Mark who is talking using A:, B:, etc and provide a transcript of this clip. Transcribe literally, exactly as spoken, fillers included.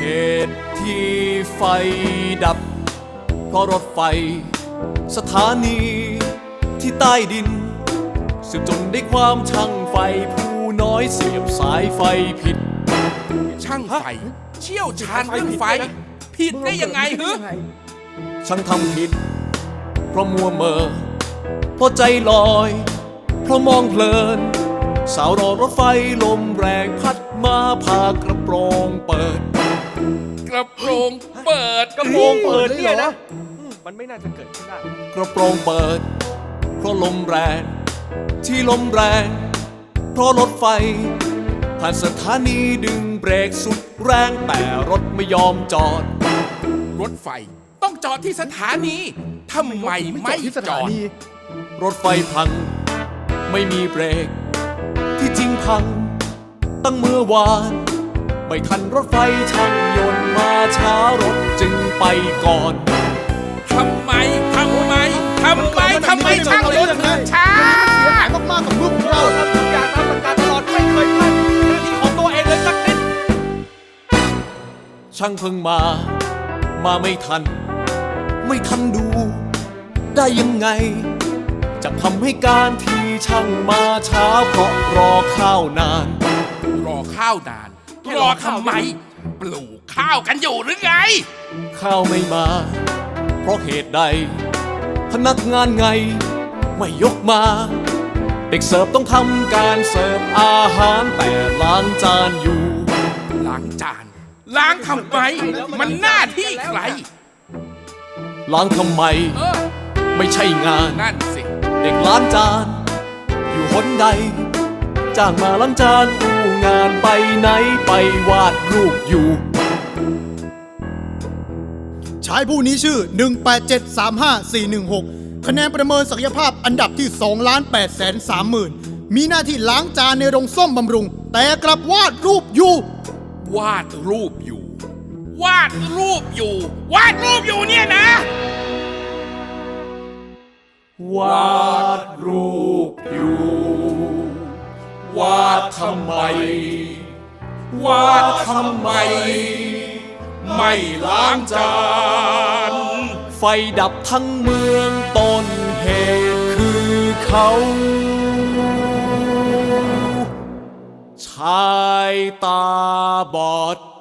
A: เหตุที่ไฟดับเพราะรถไฟสถานีที่ใต้ดินสืบจนได้ความช่างไฟผู้น้อยเสียบสายไฟผิด
B: ช่างไฟเชี่ยวชาญเรื่องไฟผิดได้ยังไงฮึ
A: ช่างทำผิดเพราะมัวเมอเพราะใจลอยเพราะมองเพลินสาวรอรถไฟลมแรงพัดมาพากระโปรงเปิด
B: กระโปรงเปิด
A: กระโปรงเปิดเนี่ยนะ
C: มันไม่น่าจะเกิดขึ้นได้
A: กระโปรงเปิดเพราะลมแรงที่ลมแรงเพราะรถไฟผ่านสถานีดึงเบรกสุดแรงแต่รถไม่ยอมจอด
B: รถไฟต้องจอดที่สถานีทำไมไม่จอด
A: รถไฟพังไม่มีเบรกที่จริงพังตั้งเมื่อวานไม่ทันรถไฟช่างยนต์มาช้ารถจึงไปก่อน
B: ทำไมทำไมทำไมทำไมช่างยนต์ถึงช้า
C: เสียหายมากๆกับลูกเราทำทุกอย่างตามหลักการตลอดไม่เคยพลาดหน้าที่ของตัวเองเลยสักนิด
A: ช่างเพิ่งมามาไม่ทันไม่ทันดูได้ยังไงจะทำให้การที่ช่างมาช้าเพราะรอข้าวนาน
B: รอข้าวนานรอทำไมปลูกข้าวกันอยู่หรือไง
A: ข้าวไม่มาเพราะเหตุใดพนักงานไงไม่ยกมาเด็กเสิร์ฟต้องทำการเสิร์ฟอาหารแต่ล้างจานอยู่
B: ล้างจานล้างทำไมมันหน้าที่ใคร
A: ล้างทำไมไม่ใช่งาน
B: นั่นสิ
A: เด็กล้างจานอยู่หนใดจ้างมาล้างจานอู้งานไปไหนไปวาดรูปอยู่
D: ชายผู้นี้ชื่อ หนึ่ง แปด เจ็ด สาม ห้า สี่ หนึ่ง หก คะแนนประเมินศักยภาพอันดับที่ สองล้านแปดแสนสามหมื่น มีหน้าที่ล้างจานในโรงส้มบำรุงแต่กลับวาดรูปอยู่
B: วาดรูปอยู่วาดรูปอยู่วาดรูปอยู่เนี่ยนะ
A: วาดรูปอยู่วาดทำไมวาดทำไมไม่ล้างจานไฟดับทั้งเมืองต้นเหตุคือเขาชายตาบอด